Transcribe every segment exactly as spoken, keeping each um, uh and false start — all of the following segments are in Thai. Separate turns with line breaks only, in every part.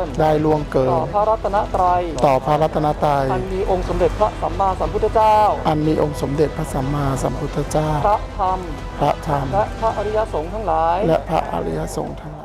ได้ล่วงเกิน
ต่อพระรัตนตรัย
ต่อพระรัตนตรัย
อันมีองค์สมเด็จพระสัมมาสัมพุทธเจ้า
อันมีองค์สมเด็จพระสัมมาสัมพุทธเจ้า
พระธรรม
พระธรรม
และพระอริยสงฆ์ทั้งหลาย
และพระอริยสงฆ์ทั้งหลาย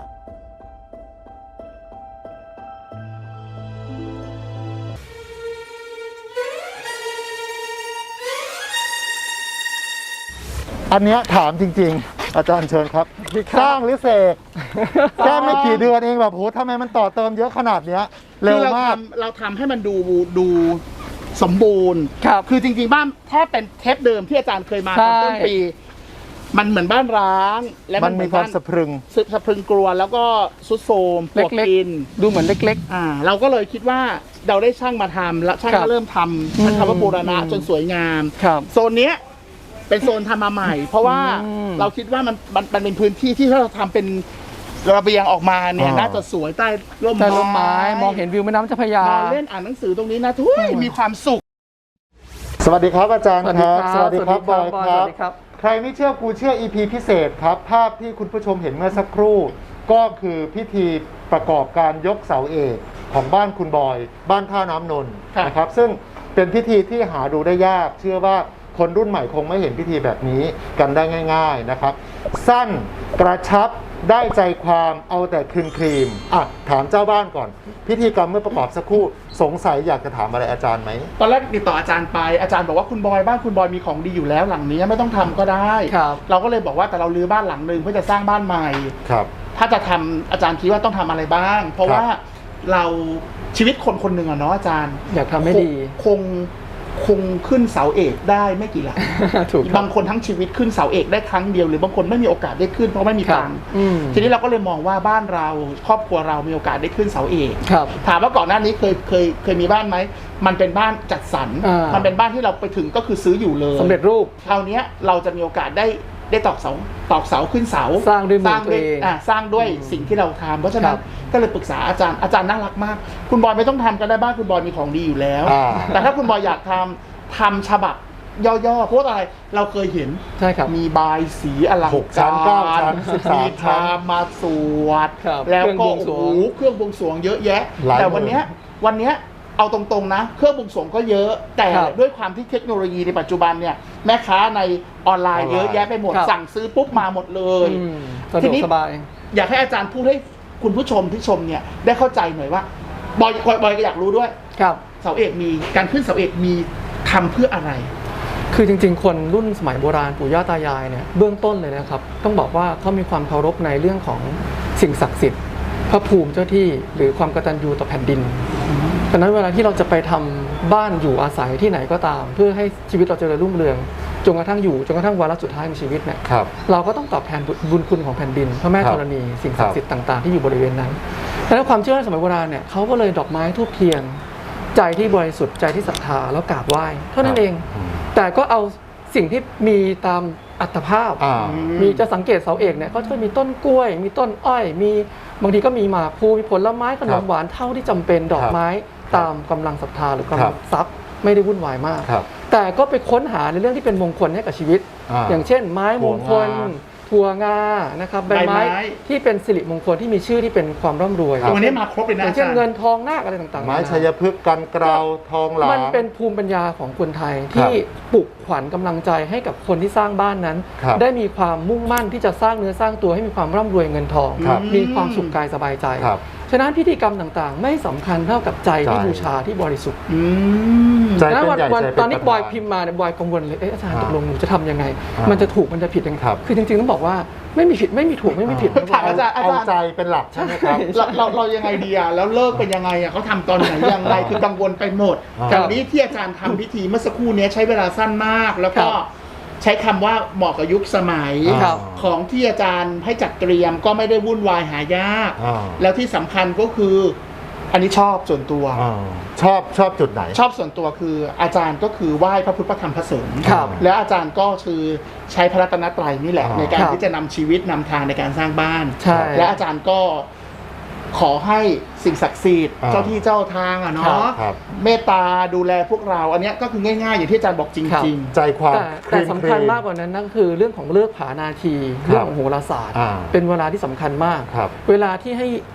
อันเนี้ยถามจริงๆ อาจารย์เชิญครับ สร้างหรือเสกแค่ไม่กี่เดือนเองแบบโหทำไมมันต่อเติมเยอะขนาดเนี้ยเร็วมาก
เราทำให้มันดูดูสมบูรณ์
ครับ
คือจริงๆบ้านถ้าเป็นเทปเดิมที่อาจารย์เคยมาตอนต้นปี มันเหมือนบ้านร้างและ
มันมีความสะพรึง
สึกสะพรึงกลัวแล้วก็ซุดโทรมปวก
เล็ก
กิน
ๆ ดูเหมือนเล็ก
อ่าเราก็เลยคิดว่าเราได้ช่างมาทำแล้วช่าง
ครั
ก็
บ
เริ่มทำใช้คำว่าบูรณะ
อืม
จนสวยงาม
ๆ ครับ
โซนเนี้ยเป็นโซนทำมาใหม่ เพราะว่า
อืม
เราคิดว่ามันมันมันเป็นพื้นที่ที่ถ้าเราทำเป็นระเบียงออกมาเนี่ย
อ่า
น่าจะสวยใต้ร่ม
ใต้ร่มไม้มองเห็นวิวแม่น้ำเจ้าพระยาน
อนเล่นอ่านหนังสือตรงนี้นะทุยมีความสุข
สวัสดีครับอาจารย์ครับ
สวัสดีครับ
บอย
บอย
ค
ส
รั
วั
บ
สดีครับ
ใครไม่เชื่อกูเชื่อ อี พี พิเศษครับ ภาพที่คุณผู้ชมเห็นเมื่อสักครู่ ก็คือพิธีประกอบการยกเสาเอกของบ้านคุณบอย บ้านท่าน้ำนนท์
ครับ
นะครับ ซึ่งเป็นพิธีที่หาดูได้ยาก เชื่อว่าคนรุ่นใหม่คงไม่เห็นพิธีแบบนี้กันได้ง่าย ๆนะครับ สั้นกระชับได้ใจความเอาแต่ครีมครีมอ่ะถามเจ้าบ้านก่อน พิธีกรรมเมื่อประกอบสักครู่สงสัยอยากจะถามอะไรอาจารย์ไหม
ตอนแรกติดต่ออาจารย์ไปอาจารย์บอกว่าคุณบอยบ้านคุณบอยมีของดีอยู่แล้วหลังนี้ไม่ต้องทำก็ได้
ครับ
เราก็เลยบอกว่าแต่เราลื้อบ้านหลังหนึ่งเพื่อจะสร้างบ้านใหม่
ครับ
ถ้าจะทำอาจารย์คิดว่าต้องทำอะไรบ้าง เพราะ
ครับ
ว่าเราชีวิตคนคนหนึ่งอะเนาะอาจารย์
อยากทำให้ดี
คงคงขึ้นเสาเอกได้ไม่กี่หลัง
ถูกครับ
บางคนทั้งชีวิตขึ้นเสาเอกได้ครั้งเดียวหรือบางคนไม่มีโอกาสได้ขึ้นเพราะไม่มี
ครับ
ตังค์
อืม
ทีนี้เราก็เลยมองว่าบ้านเราครอบครัวเรามีโอกาสได้ขึ้นเสาเอก
ครับ
ถามว่าก่อนหน้านี้เคยเคยเคยมีบ้านไหมมันเป็นบ้านจัดสรร
อ่ามั
มันเป็นบ้านที่เราไปถึงก็คือซื้ออยู่เลย
สำเร็จรูป
คราวเนี้ยเราจะมีโอกาสได้ได้ตอกเสาตอกเสาขึ้นเสา
สร้างด้วยมือ
สร้างด้วย
ตัวเอง
อ่าสร้างด้วยสิ่งที่เราทำเพราะฉะนั้
คน รับ
ก็เลยปรึกษาอาจารย์อาจารย์น่ารักมาก คุณบอยไม่ต้องทำก็ได้บ้านคุณบอยมีของดีอยู่แล้ว
อ่า
แต่ถ้าคุณบอยอยากทำทำฉบับย่อๆเพราะว่าอะไรเราเคยเห็น
ใช่ครับ
มีบายสีอลัง
หกชั้
กาน
เก้าร ชั้นสิบสาม
มี
ชั้น
พามาสวด
ครับ
แล้วก็
เครื่องบวงสร
โอ้
วง
โหเครื่องบวงสรวงเยอะแยะ
หลาย
แต่วันเนี้ยวันเนี้ยเอาตรงๆนะ เครื่องบวงสรวงก็เยอะ แต่
ครับ
ด้วยความที่เทคโนโลยีในปัจจุบันเนี่ยแม่ค้าในออนไลน์
ออนไลน์
เยอะแยะไปหมด
ครับ
สั่งซื้อปุ๊บมาหมดเลย
อืมสะ
ที
ดวก
นี้
สบาย
อยากให้อาจารย์พูดให้คุณผู้ชมที่ชมเนี่ยได้เข้าใจหน่อยว่าบอยบอยบอยก็อยากรู้ด้วย
ครับ
เสาเอกมีการขึ้นเสาเอกมีทำเพื่ออะไร
คือจริงๆ คนรุ่นสมัยโบราณปู่ย่าตายายเนี่ยเบื้องต้นเลยนะครับ ต้องบอกว่าเขามีความเคารพในเรื่องของสิ่งศักดิ์สิทธิ์พระภูมิเจ้าที่หรือความกตัญญูต่อแผ่นดินฉะนั้นเวลาที่เราจะไปทำบ้านอยู่อาศัยที่ไหนก็ตาม เพื่อให้ชีวิตเราเจริญรุ่งเรืองจนกระทั่งอยู่จนกระทั่งวาระสุดท้ายของชีวิตเนี่ย
ครับ
เราก็ต้องตอบแทนบุญคุณของแผ่นดินพระแม่
ครับ
ธรณีสิ่งศักดิ์สิทธิ์ต่างๆที่อยู่บริเวณนั้นดังนั้นความเชื่อในสมัยโบราณเนี่ยเขาก็เลยดอกไม้ทูบเทียน ใจที่บริสุทธิ์ใจที่ศรัทธาแล้วกราบไหว้เท่านั้นเอง
อืม
แต่ก็เอาสิ่งที่มีตามอัตภาพ
อ่า
มีจะสังเกตเสาเอกเนี่ยก็จะมีต้นกล้วย มีต้นอ้อย มีบางทีก็มีหมากพลูมีผลไม้ขนมหวานเท่าที่จำเป็นดอกไม้
ครับ
ตามกำลังศรัทธาหรือกำ
ครั
ลั
บ
งทรัพย์ไม่ได้วุ่นวายมาก
ครับ
แต่ก็ไปค้นหาในเรื่องที่เป็นมงคลให้กับชีวิต
อ่า
อย่างเช่น ไม้มงคล ถั่วงานะครับใบไม้
ใบไม้
ที่เป็นสิริมงคลที่มีชื่อที่เป็นความร่ำรวย
ครับ
วันนี้มาครบเลย
อ
นะ
ย่างเช่น
อาจารย์
เงินทองนาคอะไรต่างๆ
ไม้
นานา
ชัยพฤกษ์กันเกลาทองหลาง
มันเป็นภูมิปัญญาของคนไทยที่ปลุกขวัญกำลังใจให้กับคนที่สร้างบ้านนั้น
ครับ
ได้มีความมุ่งมั่นที่จะสร้างเนื้อสร้างตัวให้มีความร่ำรวยเงินทอง
ครับ
มีความสุขกายสบายใจ
ครับ
ฉะนั้นพิธีกรรมต่างๆ ไม่สำคัญเท่ากับใจที่
ใจ
บูชาที่บริสุทธิ์
อืม
ใจ
นะ
เป็น
วัน
ใหญ่
วัน
ใจเป็น
ตอนนี้
ประธาน
บอยพิมพ์มาเนี่ยบอยกังวลเลยเอ๊ะอาจารย์
อ่า
ตกลงหนูจะทำยังไง
อ่ามั
มันจะถูกมันจะผิดยังไง
ครับ
คือจริงๆต้องบอกว่าไม่มีผิดไม่มีถูกไม่มีผิด
ถามอาจารย์
เอาใจเป็นหลักใช่ไหมครับ
เราเราเรายังไงดีอ่ะแล้วเลิกเป็นยังไงอ่ะเขาทำตอนไหนยังไงคือกังวลไปหมด
อ่า
แต่วันนี้ที่อาจารย์ทำพิธีเมื่อสักครู่เนี้ยใช้เวลาสั้นมาก แล้วก็
ครับ
ใช้คำว่าเหมาะกับยุคสมัย
ครับ
ของที่อาจารย์ให้จัดเตรียมก็ไม่ได้วุ่นวายหายาก
อ่า
แล้วที่สำคัญก็คืออันนี้ชอบส่วนตัว
อ่าชอบชอบจุดไหน
ชอบส่วนตัวคืออาจารย์ก็คือไหว้พระพุทธพระธรรมพระสงฆ์
ครับ
แล้วอาจารย์ก็คือใช้พระรัตนตรัยนี่แหละ
อ่า
ในการ
ครับ
ที่จะนำชีวิตนำทางในการสร้างบ้าน
ใช่
และอาจารย์ก็ขอให้สิ่งศักดิ์สิทธิ์
อ่า
เจ้าที่เจ้าทางอ่ะ
ครั
เนาะ
บ
ครับ
เมตตาดูแลพวกเรา อันเนี้ยก็คือง่ายๆอย่างที่อาจารย์บอกจ
ครับ
ริง
ใจความ
แต่แต่สำคัญมากกว่านั้นนั่นคือเรื่องของเลิกผานาที
ครับ
เรื่องของโหราศาสตร์
อ่า
เป็นเวลาที่สำคัญมาก
ครับ
เวลาที่ให้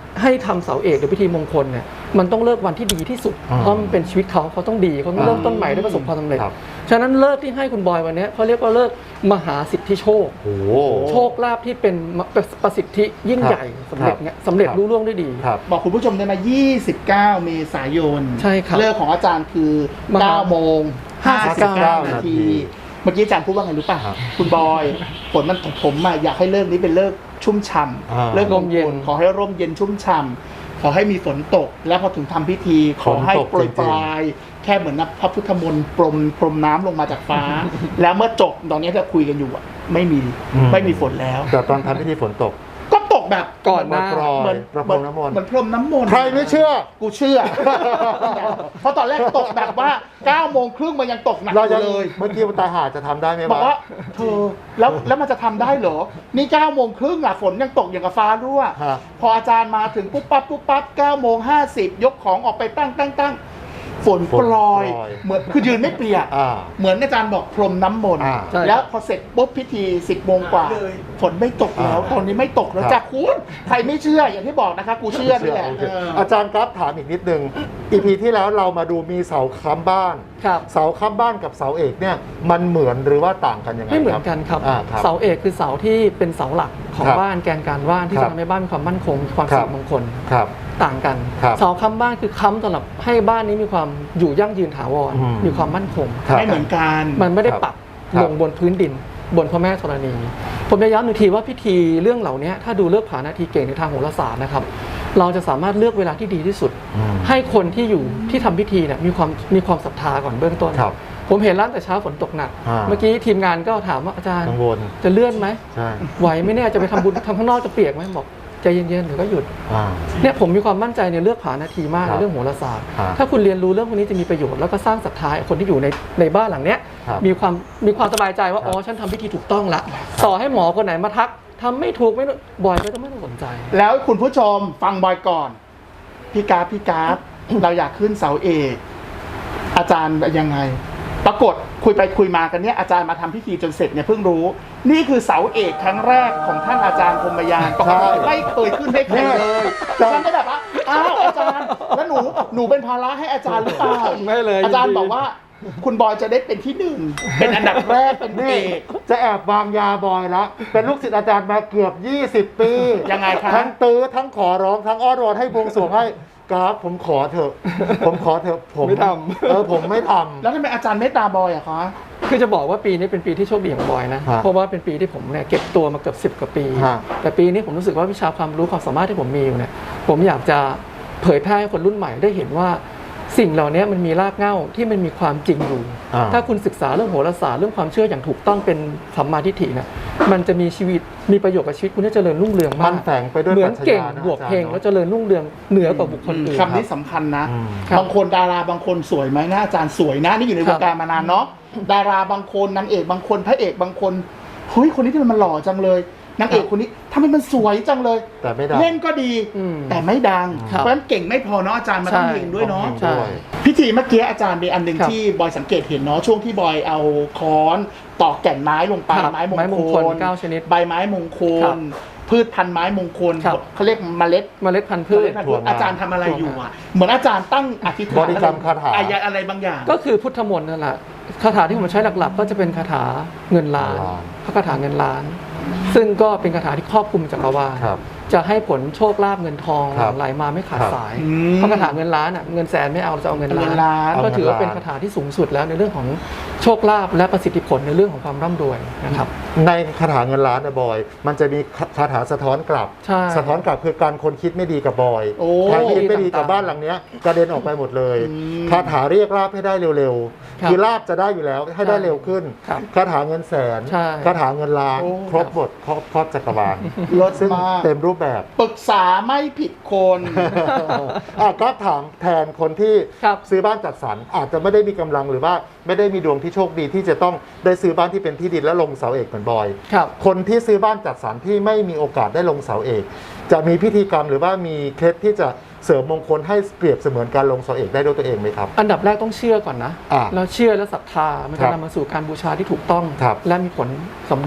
ให้ทำเสาเอกหรือพิธีมงคลเนี่ยมันต้องเลิกวันที่ดีที่สุด
อ่า
เพราะมันเป็นชีวิตเขาเขาต้องดีเขาต้องเริ่มต้นใหม่ได้ประสบความสำเร็จ
ครับ
ฉะนั้นเลิกที่ให้คุณบอยวันเนี้ยเขาเรียกว่าเลิกมหาสิทธิโชค
โอ้โห
โชคลาภที่เป็นประสิทธิยิ่งใหญ่สำเร็จเนี่ยสำเร็จ
ครับ
รุ่ร่วงได้ดี
ครับ
บอกคุณผู้ชมได้ไหมยี่สิบเก้าเมษายน
ใช่ครับ
เลิกของอาจารย์คือ
มา
เก้าโมงห้าสิบเก้า
ห้า
นา
นาที
ที เมื่อกี้อาจารย์พูดว่าไงรู้ป่ะ
ครับ
คุณบอยฝนมันตกผมอะอยากให้เลิกนี้เป็นเลิกชุ่มฉ่
อ่า
ำเลิกลมเย็น
ร่มเย็น
ขอให้ร่มเย็นชุ่มฉ่ำขอให้มีฝนตก แล้วพอถึงทำพิธีขอให้
ฝนตก
โปรย
จริงๆ
ปลายแค่เหมือนนับพระพุทธมนต์ปรมปรมน้ำลงมาจากฟ้า แล้วเมื่อจบตอนนี้ที่คุยกันอยู่อะไม่มี
อืม
ไม่มีฝนแล้ว
แต่ตอนทำพิธีฝนตก
ก็ตกแบบ
ก่อนหน้า
ปรอย
เหมือน
ประพรมน้ำมนต์
เหมือนพรมน้ำมนต์
ใครไม่เชื่อ
กูเชื่อ เพราะตอนแรกตกแบบว่าเก้าโมงครึ่งมันยังตกหนัก
เรา
อ
ยัง
ยู่เลย
เมื่อกี้ตาหาจะทำได้ไหม
บอกว่าเธอแล้วแล้วมันจะทำได้เหรอ นี่เก้าโมงครึ่งอะฝนยังตกอย่างกับฟ้ารั่ว
ฮะ
พออาจารย์มาถึงปุ๊บปั๊บปุ๊บปั๊บเก้าโมงห้าสิบยกของออกไปตั้งตั้งตั้งฝนโปรย เหมือนคือยืนไม่เปียก
อ่า
เหมือนอาจารย์บอกพรมน้ำมนต์
อ่า
ใช่
แล้วพอเสร็จปุ๊บพิธีสิบโมงกว่า ฝนไม่ตกแล้ว
อ่า
ตอนนี้ไม่ตกแล้ว
ครับ
จ้ะคุณใครไม่เชื่ออย่างที่บอกนะคะกูเชื่อนี่แหละ
โอเค
เออ
อาจารย์ครับถามอีกนิดนึง อีพีที่แล้วเรามาดูมีเสาค้ำบ้าน
ครับ
เสาค้ำบ้านกับเสาเอกเนี่ยมันเหมือนหรือว่าต่างกันยังไง
ไม่เหมือนกันครับ
อ่าครับ
เสาเอกคือเสาที่เป็นเสาหลักของ
ครับ
บ้านแกนการบ้านที่
ครั
จะ
บ
ทำให้บ้านมีความมั่นคงมีความ
ครั
สิ
บ
ริมงคล
ครับ
ต่างกัน
ครับ
เสาค้ำบ้านคือค้ำสำหรับให้บ้านนี้มีความอยู่ยั่งยืนถาวร
อืม
มีความมั่นคง
ครับ
ไม่เหมือนกัน
มันไม่ได้
ครับ
ปัก
ครับ
ลงบนพื้นดิน บนพระแม่ธรณี ผมจะย้ำหนึ่งทีว่าพิธีเรื่องเหล่านี้ถ้าดูเลือกผานาทีเก่งในทางโหราศาสตร์นะครับ เราจะสามารถเลือกเวลาที่ดีที่สุด
อืม
ให้คนที่อยู่ที่ทำพิธีเนี่ยมีความมีความศรัทธาก่อนเบื้องต้น
ครับ
ผมเห็นร้านแต่เช้าฝนตกหนัก
อ่า
เมื่อกี้ทีมงานก็ถามว่าอาจารย์
กังวล
จะเลื่อนไหม
ใช่
ไหวไหมเนี่ยจะไปทำบุญทำข้างนอกจะเปียกไหมบอกใจเย็นๆเดี๋ยวก็หยุด
อ่า
เนี่ยผมมีความมั่นใจในเลือกผานาทีมาก
ครับ
ในเรื่องโหราศาสตร์
ครับ
ถ้าคุณเรียนรู้เรื่องพวกนี้จะมีประโยชน์แล้วก็สร้างศรัทธาให้คนที่อยู่ในในบ้านหลังเนี้ย
ครับ
มีความมีความสบายใจว่า
ครับ
อ๋อฉันทำพิธีถูกต้องละต่อให้หมอคนไหนมาทักทำไม่ถูกไม่บ่อยก็จะไม่ต้องสนใจ
แล้วคุณผู้ชมฟังบอยก่อน พี่กราฟพี่กราฟ เราอยากขึ้นเสาเอก อาจารย์ยังไง ปรากฏคุยไปคุยมากันเนี่ยอาจารย์มาทำพิธีจนเสร็จเนี่ยเพิ่งรู้ นี่คือเสาเอกครั้งแรกของท่านอาจารย์พรหมยานปกติไม่เคยขึ้นให้ใครเลยฉันได้แบบว่าอ้าวอาจารย์ แล้วหนูหนูเป็นภาระให้อาจารย์หรือเปล่า
ไม่เลย
อาจารย์
ยินดี
บอกว่า คุณบอยจะได้เป็นที่หนึ่งเป็นอันดับแรกเป็นเอ
นี่
ก
จะแอบวางยาบอยแล้ว เป็นลูกศิษย์อาจารย์มาเกือบ ยี่สิบ ปี
ยังไงคะ
ทั้งตื้อทั้งขอร้องทั้งอ้อนวอนให้บวงสรวงให้กราฟผมขอเถอะ ผมขอเถอะผม
ไม่ทำ
เออผมไม่ทำ
แล้วทำไมอาจารย์ไม่ตาบอยอะคะ
คือจะบอกว่าปีนี้เป็นปีที่โชคดีของบอยนะ
ฮะ
เพราะว่าเป็นปีที่ผมเนี่ยเก็บตัวมาเกือบสิบกว่าปี
ฮะ
แต่ปีนี้ผมรู้สึกว่าวิชาความรู้ความสามารถที่ผมมีอยู่เนี่ยผมอยากจะเผยแพร่ให้คนรุ่นใหม่ได้เห็นว่าสิ่งเหล่านี้มันมีรากเหง้าที่มันมีความจริงอยู่
อ่า
ถ้าคุณศึกษาเรื่องโหราศาสตร์เรื่องความเชื่ออย่างถูกต้องเป็นสัมมาทิฏฐิเนี่ยมันจะมีชีวิตมีประโยชน์กับชีวิตคุณจะเจริญรุ่งเรือง
มั
มาน ก
แฝงไปด้วย
เหมือน
ปรัช
เก่ง
ญานะ
บวก
อาจารย์
เพลง
เนอะ
แล้วเจริญรุ่งเรืองเหนือกว่าบุคคลอื่น
คำนี้สำคัญนะ
อืม
ครับ
บางคนดาราบางคนสวยไหมนะอาจารย์สวยนะนี่อยู่ใน
คว รับ
งการมานานเนาะดาราบางคนนางเอกบางคนพระเอกบางคนเฮ้ยคนนี้ทำไมมันหล่อจังเลยนางเอกคนนี้ทำไมมันสวยจังเลย
แต่ไม่ได้
เล่นก็ดี
อืม
แต่ไม่ดัง
ครับ
เพราะฉะนั้นเก่งไม่พอเนาะอาจารย์มาต้อง
ใช่
เก่งด้วยเนาะ
ใช่
พิธีเมื่อกี้อาจารย์มีอันหนึ่ง
ครับ
ที่บอยสังเกตเห็นเนาะช่วงที่บอยเอาค้อนตอกแก่นไม้ลงไป
ครับ
ไม้ม
ไม้ม
ง
ง
ค
ค
ล
ลเก้าชนิด
ใบไม้มงค
ครั
ล
บ
พืชพันธุ์ไม้มงคล
ครับ
เขาเรียกเมล็ด
เมล็ดพันธุ์พืช
ถั่วงา
อาจารย์ทำอะไรอยู่อ่ะ เหมือนอาจารย์ตั้งอธิษฐาน
บริกรรมคาถา
อายะอะไรบางอย่าง
ก็คือพุทธมนต์นั่นแหละคาถาที่ผมใช้หลักๆ ก็จะเป็นคาถาเงินล้าน
ล้าน
พระคาถาเงินล้าน ซึ่งก็เป็นคาถาที่ครอบคลุมจักรวาล
ครับ
จะให้ผลโชคลาภเงินทอง
ครับ
ไหลมาไม่ขาด
ครับ
สาย
อืม
เพราะคาถาเงินล้านอ่ะเงินแสนไม่เอาเราจะเอาเงิน
เงิน
ล้า
ล้าน
นก็ถือว่า
เอาเงินล้าน
เป็นคาถาที่สูงสุดแล้วในเรื่องของโชคลาภและประสิทธิผลในเรื่องของความร่ำรวยนะครับ
ในคาถาเงินล้านนะบอย มันจะมีคาถาสะท้อนกลับ
ใช่
สะท้อนกลับคือการคนคิดไม่ดีกับบอย
โอ้
ใครคิดไม่ดีกับ
ต่างๆ
บ้านหลังเนี้ยกระเด็นออกไปหมดเลย
อืม
คาถาเรียกลาบให้ได้เร็ว
ครั
ๆ
บ
คือลาบจะได้อยู่แล้วให้ได้เร็วขึ้น
ครับ
คาถาเงินแสน
ใช่
คาถาเงินล้าน
โอ้
ครบหมดครอบครอบจักรวาล
รถ
ซึ่ง
มาก
เต็มรูปแบบ
ปรึกษาไม่ผิดคน
อ่ะก็ถามแทนคนที่
ครับ
ซื้อบ้านจัดสรรอาจจะไม่ได้มีกำลังหรือว่าไม่ได้มีดวงที่โชคดีที่จะต้องได้ซื้อบ้านที่เป็นที่ดินและลงเสาเอกเหมือนบอย
ครับ
คนที่ซื้อบ้านจัดสรรที่ไม่มีโอกาสได้ลงเสาเอก จะมีพิธีกรรมหรือว่ามีเคล็ดที่จะเสริมมงคลให้เปรียบเสมือนการลงเสาเอกได้ด้วยตัวเองไหมครับ
อันดับแรกต้องเชื่อก่อนนะ
อ่า
แล้วเชื่อและศรัทธามัน
ครั
จะ
บ
นำมาสู่การบูชาที่ถูกต้อง
ครับ
และมีผลสำลิด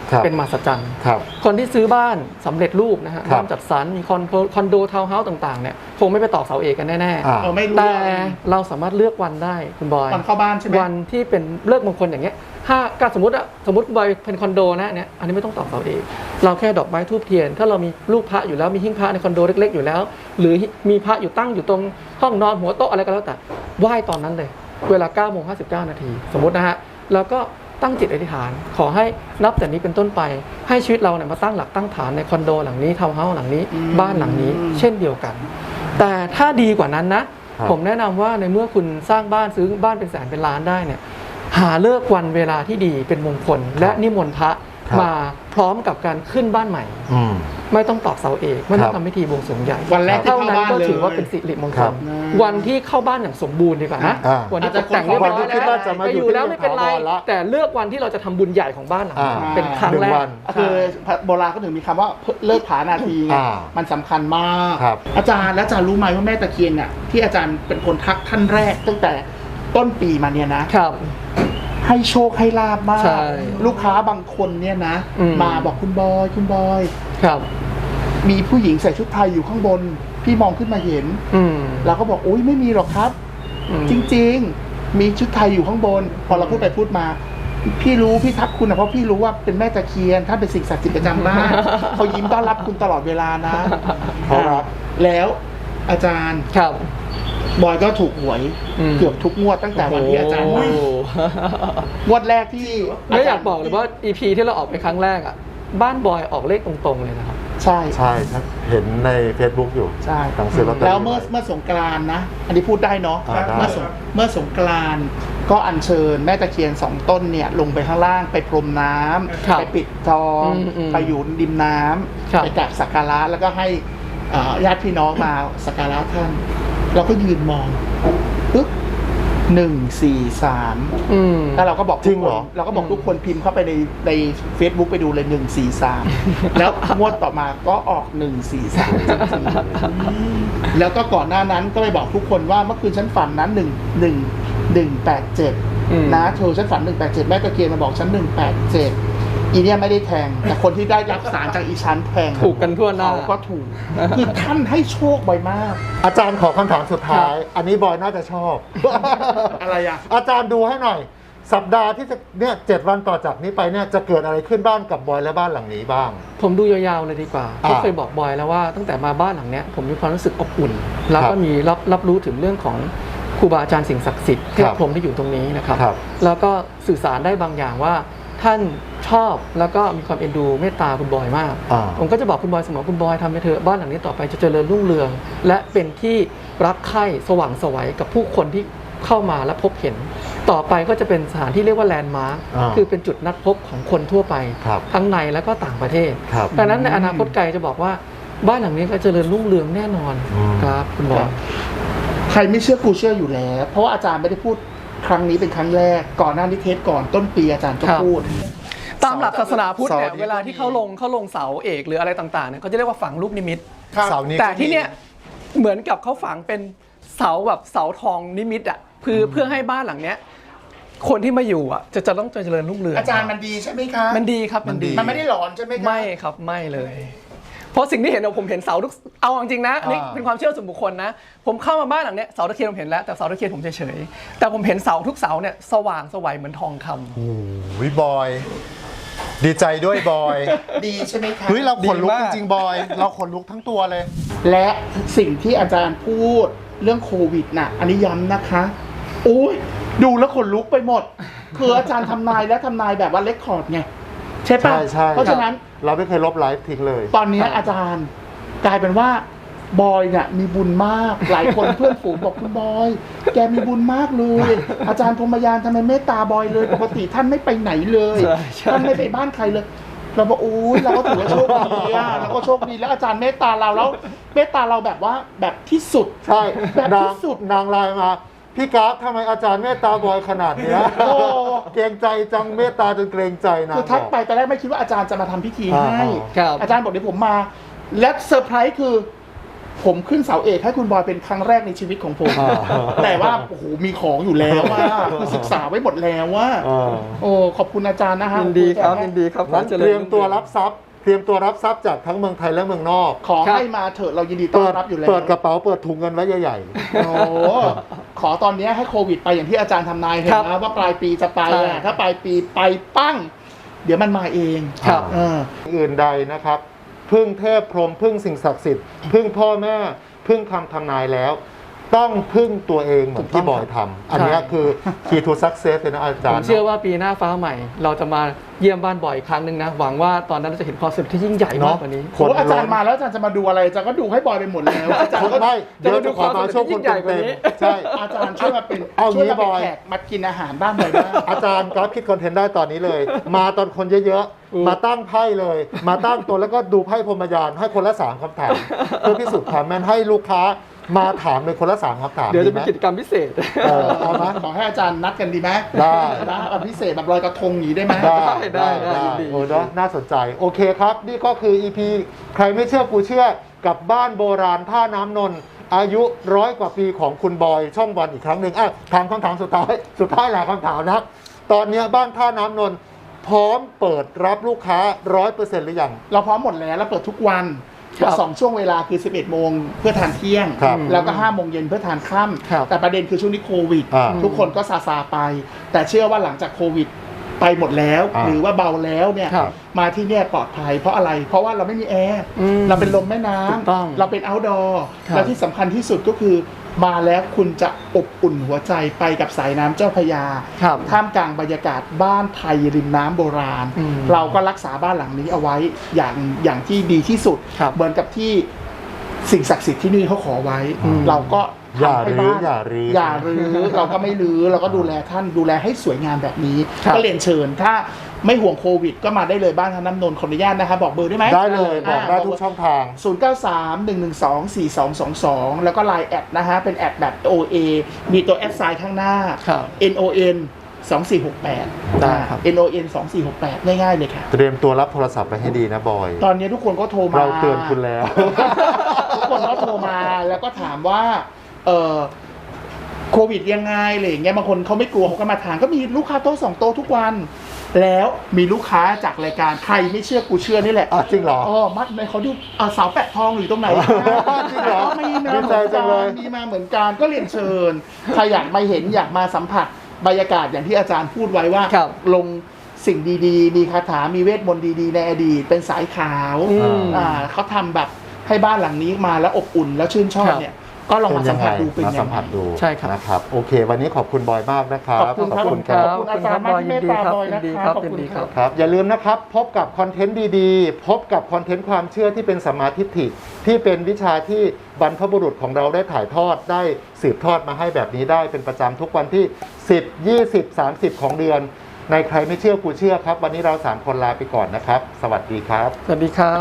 ครับ
เป็นมหัศจรรย์
ครับ
คนที่ซื้อบ้านสำเร็จรูปนะฮะ
ครับ
บ้านจัดสรรมีคอนโดคอนโดทาวน์เฮาส์ต่างๆเนี่ยคงไม่ไปตอกเสาเอกกันแน่
อ่า
เออไม่รู้
ๆแต่เราสามารถเลือกวันได้คุณบอย
วันเข้าบ้านใช่ไหม
วันที่เป็นเลิกมงคลอย่างเงี้ยถ้าการสมมติอะสมมติคุณบอยเป็นคอนโดนะเนี่ยอันนี้ไม่ต้องตอกเสาเอกเราแค่ดอกไม้ทูบเทียน ถ้าเรามีลูกพระอยู่แล้วมีหิ้งพระในคอนโดเล็กๆอยู่แล้ว หรือมีพระอยู่ตั้งอยู่ตรงห้องนอนหัวโต๊ะอะไรก็แล้วแต่ไหว้ตอนนั้นเลย เวลาเก้าโมงห้าสิบเก้านาทีสมมตินะฮะแล้วก็ตั้งจิตอธิษฐาน ขอให้นับแต่นี้เป็นต้นไปให้ชีวิตเราเนี่ยมาตั้งหลักตั้งฐานในคอนโดหลังนี้ทาวน์เฮาส์หลังนี้
อืม
บ้านหลังนี้ เช่นเดียวกัน แต่ถ้าดีกว่านั้นนะ
ครับ
ผมแนะนำว่าในเมื่อคุณสร้างบ้านซื้อบ้านเป็นแสนเป็นล้านได้เนี่ยหาเลิกวันเวลาที่ดีเป็นมงคล และนิมนต์พระ
ครับ
มาพร้อมกับการขึ้นบ้านใหม่
อืม
ไม่ต้องตอกเสาเอกไม่ต้อ
ครั
ง
บ
ทำพิธีบวงสรวงใหญ่
วันแรกที่
เท่า
เข้า
นั้น
บ้าน
ก็
เลย
ถือว่าเป็นสิริมงค
ครั
ล
บ
วันที่เข้าบ้านอย่างสมบูรณ์ดีกว่านะ
อ่า
วันที่ตกแต่งเรียบร้อย
วันที่คิดว่าจะมา
ไป
อยู่
อยู่แล้ว
ที่
ไม่เป็นไร
ถาวรละ
แต่เลือกวันที่เราจะทำบุญใหญ่ของบ้านหลังนั้น
อ่า
เป็นครั้ง
หนึ่ง
แรก
วัน
คือโบราณก็ถึงมีคำว่าเลิกผานาทีไง
อ่า
มันสำคัญมาก
ครับ
อาจารย์แล้วอาจารย์รู้ไหมว่าแม่ตะเคียนเนี่ยที่อาจารย์เป็นคนทักท่านแรกตั้งแต่ต้นปีมาเนี่ยนะ
ครับ
ให้โชคให้ลาบมาก
ใช่
ลูกค้าบางคนเนี่ยนะ
อืม
มาบอกคุณบอยคุณบอย
ครับ
มีผู้หญิงใส่ชุดไทยอยู่ข้างบน พี่มองขึ้นมาเห็น
อืม
เราก็บอกอุ้ยไม่มีหรอกครับ
อืม
จริงๆ มีชุดไทยอยู่ข้างบน พอเราพูดไปพูดมา พี่รู้พี่ทักคุณนะเพราะพี่รู้ว่าเป็นแม่ตะเคียนถ้าเป็นสิ่งศักดิ์สิทธิ์ประจำบ้าน เขายิ้มต้อนรับคุณตลอดเวลานะ
เขารัก
แล้วอาจารย์
ครับ
บอยก็ถูกหวย
อืม
เกือบทุกงวดตั้งแต่วันที่อาจารย์
โอ้
มา
โห
งวดแรกที่
ไม่อยากบอกเลยว่า อี พี ที่เราออกไปครั้งแรกอ่ะบ้านบอยออกเลขตรงๆเลยนะครับ
ใช่
ใช่ครับเห็นใน Facebook อยู่
ใช่
หนังสือลอตเตอรี่
แล้วเมื่อเมื่อสงกรานต์นะ อันนี้พูดได้เนาะ
อ่าได้
เมื่อสงเมื่อสงกรานต์ก็อัญเชิญแม่ตะเคียนสองต้นเนี่ยลงไปข้างล่างไปพรมน้ำ
ครับ
ไปปิดทอง
อืมอืม
ไปอยู่ริมน้
ครับ
ำไปกราบสักการะแล้วก็ให้เอ่อญาติพี่น้องมาสักการะท่าน เราก็ยืนมองปึ๊บหนึ่งสี่สาม
อืม
แล้วเราก็บอก
จริงเหรอ
ทุกคนเราก็บอกทุกคนพิมพ์เข้าไปในใน Facebook ไปดูเลยหนึ่งสี่สามแล้วงวดต่อมาก็ออกหนึ่งสี่สามแล้วก็ก่อนหน้านั้นก็ไปบอกทุกคนว่าเมื่อคืนฉันฝันนั้นหนึ่งหนึ่งหนึ่งแปดเจ็ด
อืม
นะเธอฉันฝันหนึ่งแปดเจ็ดแม่ตะเคียนมาบอกฉันหนึ่งแปดเจ็ดอีเนี่ยไม่ได้แทง แต่คนที่ได้รับสารจากอีชั้นแทง
ถูกกันทั่วหน้า
เขาก็ถูก คือท่านให้โชคบ่อยมาก
อาจารย์ขอคำถามสุดท้าย อันนี้บอยน่าจะชอบ
อะไรอ่ะ
อาจารย์ดูให้หน่อย สัปดาห์ที่จะเนี่ยเจ็ดวันต่อจากนี้ไปเนี่ยจะเกิดอะไรขึ้นบ้านกับบอยและบ้านหลังนี้บ้าง
ผมดูยาวๆเลยดีกว่า
อ่า
ก็เคยบอกบอยแล้วว่าตั้งแต่มาบ้านหลังเนี้ยผมมีความรู้สึกอบอุ่น แล้ว
ครั
ก็
บ
มีรับรับรู้ถึงเรื่องของครูบาอาจารย์สิ่งศักดิ์สิทธิ์เท
ค
พ
รับ
พรหมที่อยู่ตรงนี้นะครับ
ครับ
แล้วก็สื่อสารได้บางอย่างว่าท่านชอบแล้วก็มีความเอ็นดูเมตตาคุณบอยมาก
อ่า
ผมก็จะบอกคุณบอยเสมอคุณบอยทำไปเถอะบ้านหลังนี้ต่อไปจะเจริญรุ่งเรือง และเป็นที่รักใคร่สว่างไสวัยกับผู้คนที่เข้ามาและพบเห็น ต่อไปก็จะเป็นสถานที่เรียกว่าแลนด์มาร์ค
อ่า
คือเป็นจุดนัดพบของคนทั่วไป
ครับ
ทั้งในและก็ต่างประเทศ
ครับ
ดังนั้นในอนาคตไกลจะบอกว่าบ้านหลังนี้ก็เจริญรุ่งเรืองแน่นอน
อืม
ครับคุณบอย
ใครไม่เชื่อกูเชื่ออยู่แล้ว เพราะว่าอาจารย์ไม่ได้พูดครั้งนี้เป็นครั้งแรก ก่อนหน้านี้เทปก่อนต้นปีอาจารย์ก็
ครับ
พูด
ตามหลักศาสนาพุทธเนี่ย
เสาร์นี้
เวลาที่เขาลงเขาลงเสาเอกหรืออะไรต่างๆเนี่ยเขาจะเรียกว่าฝังลูกนิมิต
เสาร์นี้
แต่
ก็มี
ที่เนี่ยเหมือนกับเขาฝังเป็นเสาแบบเสาทองนิมิตอ่ะคือเพื่อให้บ้านหลังเนี้ยคนที่มาอยู่อ่ะจะจะต้องเจริญรุ่งเรือง
อาจารย์มันดีใช่ไหมคะ
มันดีครับมันดี
มันไม่ได้หลอนใช่ไหมคะ
ไม่ครับไม่เลย เพราะสิ่งที่เห็นเนี่ยผมเห็นเสาทุกเอาจริงๆนะอันนี้
อ่า
เป็นความเชื่อส่วนบุคคลนะ ผมเข้ามาบ้านหลังเนี้ยเสาตะเคียนผมเห็นแล้วแต่เสาตะเคียนผมเฉยๆแต่ผมเห็นเสาทุกเสาเนี่ยสว่างไสวัยเหมือนทองคำ
โอ้ยบอย ดีใจด้วยบอย
ดีใช่ไหมคะ
เฮ้ยเราขนลุก
ดี
จ
มาก
ริงๆบอย เราขนลุกทั้งตัวเลย
และสิ่งที่อาจารย์พูดเรื่องโควิดน่ะ อันนี้ย้ำนะคะโอ้ยดูแล้วขนลุกไปหมด คืออาจารย์ทำนายและทำนายแบบว่าเลคคอร์ดไงใช่ปะ
ใช่ใช่
เพราะฉะนั้น
เราไม่เคยลบไลฟ์ทิ้งเลย
ตอนนี้อาจารย์กลายเป็นว่าบอยเนี่ยมีบุญมาก หลายคนเพื่อนฝูงบอกคุณบอย แกมีบุญมากเลย อาจารย์พรหมยานทำไมเมตตาบอยเลย ปกติท่านไม่ไปไหนเลย
ใช่ใช่
ท่านไม่ไปบ้านใครเลย เราบอกโอ้ยเราก็ถือว่าโชคดีอะเราก็โชคดีแล้วอาจารย์เมตตาเราแล้วเมตตาเราแบบว่าแบบที่สุด
ใช่
แบบ
นาง
ที่สุด
นางไลน์มา พี่กราฟทำไมอาจารย์เมตตาบอยขนาดเนี้ย
โอ้
เกรงใจจังเมตตาจนเกรงใจนะ
คือทักไปตอนแรกไม่คิดว่าอาจารย์จะมาทำพิธีให้
อ่า
ครับ
อาจารย์บอกเดี๋ยวผมมา และเซอร์ไพรส์คือผมขึ้นเสาเอกให้คุณบอยเป็นครั้งแรกในชีวิตของผม
อ่า
แต่ว่าโอ้โหมีของอยู่แล้วว่าคือศึกษาไว้หมดแล้วว่า
อ่า
โอ้ขอบคุณอาจารย์นะฮะ
ยินดีครับยินดีครับ
งั้น
ขอจญ
เตรียมตัวรับทรัพย์เตรียมตัวรับทรัพย์จากทั้งเมืองไทยและเมืองนอก
ขอให้มาเถอะเรายินดีต้อ
เปิ
น
ด
รับอยู่แล้ว
เปิดกระเป๋าเปิดถุงเงินไว้ใหญ่
โอ้ขอตอนนี้ให้โควิดไปอย่างที่อาจารย์ทำนายเห็น
ครับ
นะว่าปลายปีจะไป
ใช่
อะถ้าปลายปีไปปั้ง เดี๋ยวมันมาเอง
ครับ
เออ
ๆอื่นใดนะครับ พึ่งเทพพรหมพึ่งสิ่งศักดิ์สิทธิ์พึ่งพ่อแม่พึ่งคำทำนายแล้ว ต้องพึ่งตัวเองเหมือนที่บอยทำอันเนี้ยคือ key to success เลยนะอา
ผ
จาร
ม
ย์
เชื่อว่าปีหน้าฟ้าใหม่ เราจะมาเยี่ยมบ้านบ่อยอีกครั้งหนึ่งนะ หวังว่าตอนนั้นเราจะเห็นความสำเร็จที่ยิ่งใหญ่มากกว่านี้
คน
โอ้อาจารย์มาแล้วอาจารย์จะมาดูอะไรอาจารย์ก็ดูให้บอยไปหมดแล้วอาจารย์
คน
ก็
ไม่เดี๋ยว
จะ
จะ
มาดู
ขอมาช่วง
ความสำเร็จที่ยิ่
คน
งใหญ่กว่า
เต็ม
นี้
ๆใช่
อาจารย์ช่วยมาเป็น
เอา
ช่วย
งี้
มาเป็น
บอย
แขกมากินอาหารบ้านหน่อยบ้าง
อาจารย์กราฟคิดคอนเทนต์ได้ตอนนี้เลย มาตอนคนเยอะ
อืม
ๆ มาตั้งไพ่เลย มาตั้งตัวแล้วก็ดูไพ่พรหมยานให้คนละสามคำถาม เพื่อพิสูจน์ความแม่นให้ลูกค้ามาถามเลยคนละสามคำถาม
เดี๋ยวจะ
ไห
มี
ม
กิจกรรมพิเศษ
เออเอาไหม
ขอให้อาจารย์นัดกันดีไหม
ได้
นะแบบพิเศษแบบลอยกระทงอย่างนี้ได้ไหม
ได้
ได้
ได้
ได้
ได้
ยินดี
โอ้เนอะน่าสนใจ โอเคครับ นี่ก็คือ อี พี ใครไม่เชื่อกูเชื่อกับบ้านโบราณท่าน้ำนนท์อายุร้อยกว่าปีของคุณบอยช่องวันอีกครั้งหนึ่งอ่ะถามคำถามสุดท้าย สุดท้ายหลายคำถามนะ ตอนเนี้ยบ้านท่าน้ำนนท์พร้อมเปิดรับลูกค้าร้อยเปอร์เซ็นต์หรือยัง
เราพร้อมหมดแล้วเราเปิดทุกวัน
ครับ
สองช่วงเวลาคือ สิบเอ็ดโมงเพื่อทานเที่ยง
ครับ
แล้วก็ห้าโมงเย็นเพื่อทานค่
ครับ
ำแต่ประเด็นคือช่วงนี้โควิด
อ่า
ทุกคนก็ซาซาไป แต่เชื่อว่าหลังจากโควิดไปหมดแล้ว
อ่า
หรือว่าเบาแล้วเนี่ย
ครับ
มาที่เนี่ยปลอดภัยเพราะอะไร เพราะว่าเราไม่มีแอร์
อืม
เราเป็นลมแม่น้
ถูกต้อง
ำเราเป็น outdoor
ครับ
และที่สำคัญที่สุดก็คือมาแล้วคุณจะอบอุ่นหัวใจไปกับสายน้ำเจ้าพระยา
ครับ
ท่ามกลางบรรยากาศบ้านไทยริมน้ำโบราณ
อืม
เราก็รักษาบ้านหลังนี้เอาไว้อย่างอย่างที่ดีที่สุด
ครับ
เหมือนกับที่สิ่งศักดิ์สิทธิ์ที่นี่เขาขอไว้
อืม
เราก็
อย่า
ทำให้
รื้อ
บ้าน
อย่ารื้อ
อย่ารื้อ เราก็ไม่รื้อเราก็ดูแลท่านดูแลให้สวยงามแบบนี้
ครับ
ก็เรียนเชิญ ถ้าไม่ห่วงโควิด ก็มาได้เลยบ้านท่าน้ำนนท์ขออนุญาตนะคะบอกเบอร์ได้ไหม
ได้เลยบอกได้ทุกช่องทาง
ศูนย์ เก้า สาม หนึ่ง หนึ่ง สอง สี่ สอง สอง สอง แล้วก็ ไลน์ แอดนะฮะ เป็นแอดแบบ โอ เอ มีตัวแอดไซน์ข้างหน้า
ครับ
เอ็น โอ เอ็น สอง สี่ หก แปด
ได้ครับ
เอ็น โอ เอ็น สอง สี่ หก แปด ง่ายๆเลยค่ะ
เตรียมตัวรับโทรศัพท์ไปให้ดีนะบอย
ตอนนี้ทุกคนก็โทรมา
เราเตือนคุณแล้ว
ทุกคนก็โทรมาแล้วก็ถามว่า เออโควิดยังไงอะไรอย่างเงี้ยบางคนเขาไม่กลัวเขาก็มาทานก็มีลูกค้าโต๊ะสองโต๊ะทุกวัน แล้วมีลูกค้าจากรายการใครไม่เชื่อกูเชื่อนี่แหละ
อ่ะจริงเหรอ
อ๋อมัดในเขาดูอ่าเสาแปะทองอยู่ตรงไหน
จริงเหรอ
มีมา
ดี
เห
ใจ
มือน
จั
กั
งเลย
นมีมาเหมือนกันก็เรียนเชิญใครอยากมาเห็นอยากมาสัมผัสบรรยากาศอย่างที่อาจารย์พูดไว้ว่า
ครับ
ลงสิ่งดีๆ มีคาถา มีเวทมนต์ดีๆ ในอดีต เป็นสายขาว
อืม
อ่าเขาทำแบบให้บ้านหลังนี้มาแล้วอบอุ่นแล้วชื่นชอบ
ครับ
เนี่ย ก็ลองมาสัมผัสดูเป็น
มา
ยั
สั
ง
ม
ไง
ผัสดู
ใช่ครับ
นะครับ โอเค วันนี้ขอบคุณบอยมากนะครับ
ขอบคุณครับ
ขอบคุณครับ
ขอบคุณอาจารย์มากที่เมตตาบอยนะ
ยินดี
ค
ครั
รับบ ขอบคุณ
ยินดี
ค
ครั
รับ
บ
ครับอย่าลืมนะครับ พบกับคอนเทนต์ดีๆ พบกับคอนเทนต์ความเชื่อที่เป็นสัมมาทิฏฐิที่เป็นวิชาที่บรรพบุรุษของเราได้ถ่ายทอดได้สืบทอดมาให้แบบนี้ได้เป็นประจำทุกวันที่ สิบ ยี่สิบ สามสิบ ของเดือน ในใครไม่เชื่อกูเชื่อครับ วันนี้เราสามคนลาไปก่อนนะครับ สวัสดีครับ
สวัสดีครับ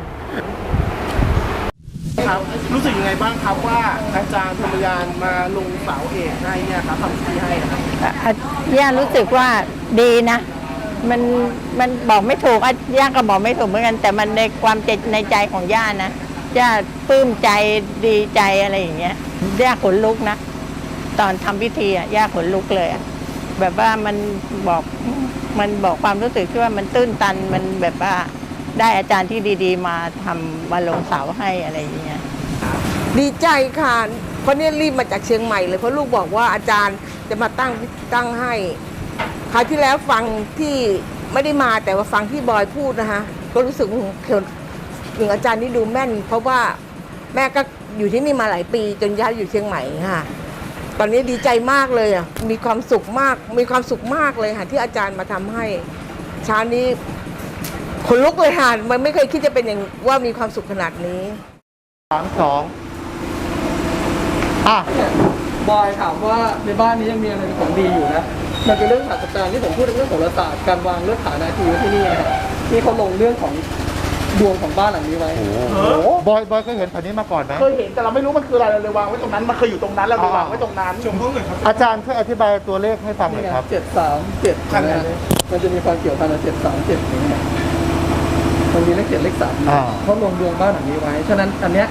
ครับรู้สึกยังไงบ้างครับว่าอาจารย์ธรรมยานมาลงเสาเอกให้เนี่ยครับทำที่ให้ครับ
อ่ะย่ารู้สึกว่าดีนะ มันมันบอกไม่ถูกอ่ะย่าก็บอกไม่ถูกเหมือนกัน แต่มันในความใจในใจของย่านะย่าปลื้มใจดีใจอะไรอย่างเงี้ยย่าขนลุกนะ ตอนทำพิธีอ่ะย่าขนลุกเลยอ่ะแบบว่ามันบอกมันบอกความรู้สึกที่ว่ามันตื้นตันมันแบบว่าได้อาจารย์ที่ดีๆ มาทำมาลงเสาให้อะไรอย่างเงี้ย
ดีใจค่ะเพราะเนี่ยรีบมาจากเชียงใหม่เลยเพราะลูกบอกว่าอาจารย์จะมาตั้งตั้งให้คราวที่แล้วฟังที่ไม่ได้มาแต่ว่าฟังที่บอยพูดนะคะก็รู้สึกถึงอาจารย์นี่ดูแม่น เพราะว่าแม่ก็อยู่ที่นี่มาหลายปีจนย้ายอยู่เชียงใหม่ค่ะตอนนี้ดีใจมากเลยอ่ะมีความสุขมากมีความสุขมากเลยค่ะที่อาจารย์มาทำให้เช้านี้ขนลุกเลยค่ะมันไม่เคยคิดจะเป็นอย่างว่ามีความสุขขนาดนี้
สาม สอง อ่ะ
บอยถามว่าในบ้านนี้ยังมีอะไรเป็นของดีอยู่นะ มันเป็นเรื่องศาสตราจารย์ที่ผมพูดในเรื่องของโหราศาสตร์การวางเลือกฐานาทีไว้ที่นี่นะครับที่เขาลงเรื่องของดวงของบ้านหลังนี้ไว้
โอ้โห
เออ
บอย บอยเคยเห็นแผ่นนี้มาก่อนไหม
เคยเห็นแต่เราไม่รู้มันคืออะไรเราเลยวางไว้ตรงนั้นมันเคยอยู่ตรงนั้นเราเลยวางไว้ตรงนั้นชมห้องหน่อยครับ
อาจารย์ช่วยอธิบายตัวเลขให้ฟังหน่อยครับ
เจ็ดสามเจ็ด
ขนาดไหน
มันจะมีความเกี่ยวพันกับเจ็ดสามเจ็ดอย่างเงี้ยมันมีเลขเจ็ดเลขสาม
อ่า
เขาลงดวงบ้านหลังนี้ไว้ ฉะนั้นอันเนี้ย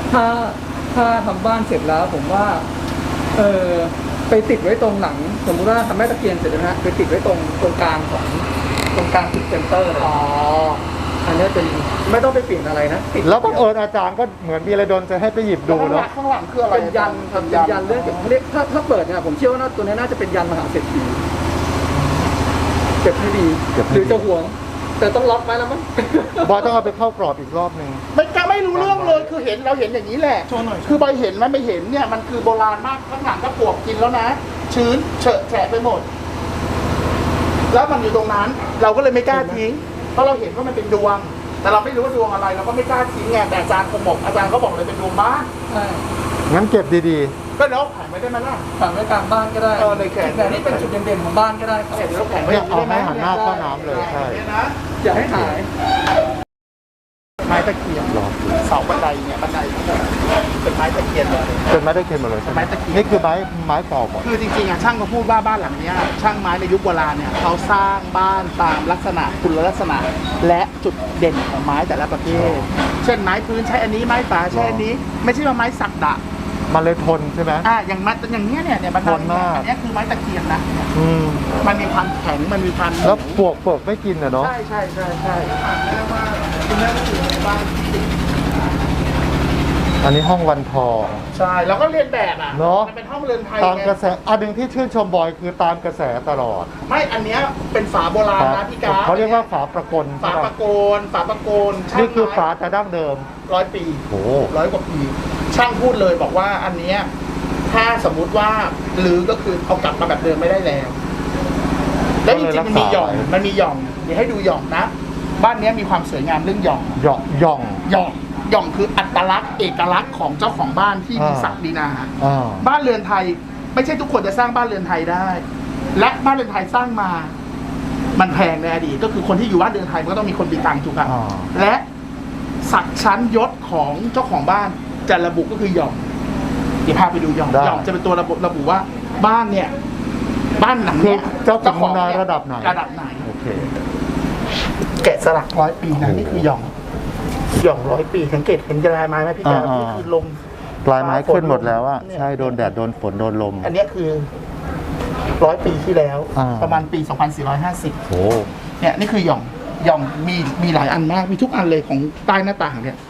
ถ้าถ้าทำบ้านเสร็จแล้วผมว่าเออไปติดไว้ตรงหลังสมมติว่าทำแม่ตะเกียงเสร็จแล้วนะฮะไปติดไว้ตรงตรงกลางของตรงกลางจุดเซนเตอร์เลยอ๋ออันนี้เป็นไม่ต้องไปเปลี่ยนอะไรนะติด
แล้วบังเอิญอาจารย์ก็เหมือนมีอะไรโดนใจให้ไปหยิบดูเนาะ
ข้างหลังคืออะไร
เป็นยันครับเป็นยันเรื่องเกี่ยวกับเขาเรียกถ้าถ้าเปิดเนี่ยผมเชื่อว่าตัวนี้น่าจะเป็นยันมหาเศรษฐีเก็บให้ดี
เก็บให้
ห
ดี
รือจะห่วง แต่ต้องล็อกไว้แล้วมั้ง
บอยต้องเอาไปเข้ากรอบอีกรอบหนึ่ง
ไม่กล้าไม่รู้เรื่องเลยคือเห็นเราเห็นอย่างนี้แหละคือใบเห็นมันไม่เห็นเนี่ยมันคือโบราณมากข้างหลังก็ปลวกกินแล้วนะ ชื้นเฉอะแฉะไปหมด แล้วมันอยู่ตรงนั้น เราก็เลยไม่กล้าทิ้งเพราะเราเห็นว่ามันเป็นดวง แต่เราไม่รู้ว่าดวงอะไรเราก็ไม่กล้าทิ้งไงแต่อาจารย์คงบอกอาจารย์เขาบอกเลยเป็นดวงบ้าน
ใช่
งั้นเก็บดี
ก็แล้วแผงไม่ได้ไหมล่ะ
ฝังไว้กลางบ้านก็ได้
เออในแขน
แต่นี่เป็นจุดเด่นๆของบ้านก็ได้ครับ
เดี๋ยวเราแผง
ๆ
ไว้
เนี่ย
ย่ง
เอา
ได้ไหม
ให้หันหน้าเข้าน้ำเลยใช่
นี่นะ
อย่าให้หาย
ไม้ตะเคียน
รอดู
เสาบันไดเนี่ยบันไดเป็นไม้ตะเคียนเลย
เป็นไม้ตะเคียนหมดเลยใช่ไหม
ไม้ตะเคียน
นี่คือไม้ไม้เก่าหมด
คือจริงๆอ่ะช่างเขาพูดว่าบ้านหลังเนี้ยช่างไม้ในยุคโบราณเนี่ยเขาสร้างบ้านตามลักษณะคุณลักษณะ และจุดเด่นของไม้แต่ละประเภท เช่นไม้พื้นใช้อันนี้ไม้ป่าใช้อันนี้ ไม่ใช่ว่าไม้สักดะ
มันเลยทนใช่ไหม
อ่าอย่างไม้อย่างเนี้ยเนี่ยเนี่ยบันได
ทนมาก
อันเนี้ยคือไม้ตะเคียนนะ
อืม
มันมีความแข็งมันมีความ
แล้วปวกเปิกไม่กินอ่ะเนาะ
ใช่ใช่ใช่ใช่แม่ว่าคุณแม่ก็อยู่ในบ้านที่ติด
อันนี้ห้องวันทอง
ใช่แล้วก็เรียนแบบอ่ะ
เนอะ
มันเป็นห้องเรือนไทย
ตาม
ไง
กระแสอันหนึ่งที่ชื่นชมบอยคือตามกระแสตลอด
ไม่อันเนี้ยเป็นฝาโบราณนะพี่กา
เขาเรียกว่าฝาประกล
ฝา
ใช่
ป
ปะ
ระโกนฝาประโกนช่าง
นี่คือ
ไม้
ฝาแต่ดั้งเดิม
ร้อยปี
โอ้
ร้อยกว่าปี ช่างพูดเลยบอกว่าอันเนี้ยถ้าสมมุติว่าหรือก็คือเอากลับมาแบบเดิมไม่ได้แล้ว แล้วจริงๆมันมีหย่องมันมีหย่องเดี๋ยวให้ดูหย่องนะ บ้านเนี้ยมีความสวยงามเรื่องหย่อง
หย่องหย่อง
หย่องหย่องคืออัตลักษณ์เอกลักษณ์ของเจ้าของบ้านที่มี
อ่า
ศักดินา
อ่า
บ้านเรือนไทย ไม่ใช่ทุกคนจะสร้างบ้านเรือนไทยได้ และบ้านเรือนไทยสร้างมา มันแพงในอดีตก็คือคนที่อยู่บ้านเรือนไทยมันก็ต้องมีคนมีตังค์ถูกป่ะ
อ่า
และศักดิ์ชั้นยศของเจ้าของบ้านจะระบุก็คือหย่อมเดี๋ยวพาไปดูหย่อม
ได้
หย่อมจะเป็นตัวระบุระบุว่าบ้านเนี่ย บ้านหลัง
คือ
เนี้ย
เจ้าของนาย
เนี่ย
ระดับไหน
ระดับไหน
โอเค
แกะสลักร้อยปีนะนี่คือหย่อมหย่อมร้อยปีสังเกตเห็นลายไม้ไหมพี่แจ๊ค
อ่าๆ
นี่คือลม
ปลายไม้ขึ้นหมดแล้วอะ
เนี่ย
ใช่โดนแดดโดนฝนโดนลม
อันเนี้ยคือร้อยปีที่แล้ว
อ่า
ประมาณปีสองพันสี่ร้อยห้าสิบ
โอ้
เนี่ยนี่คือหย่อมหย่อมมีมีหลายอันมากมีทุกอันเลยของใต้หน้าต่างเนี่ย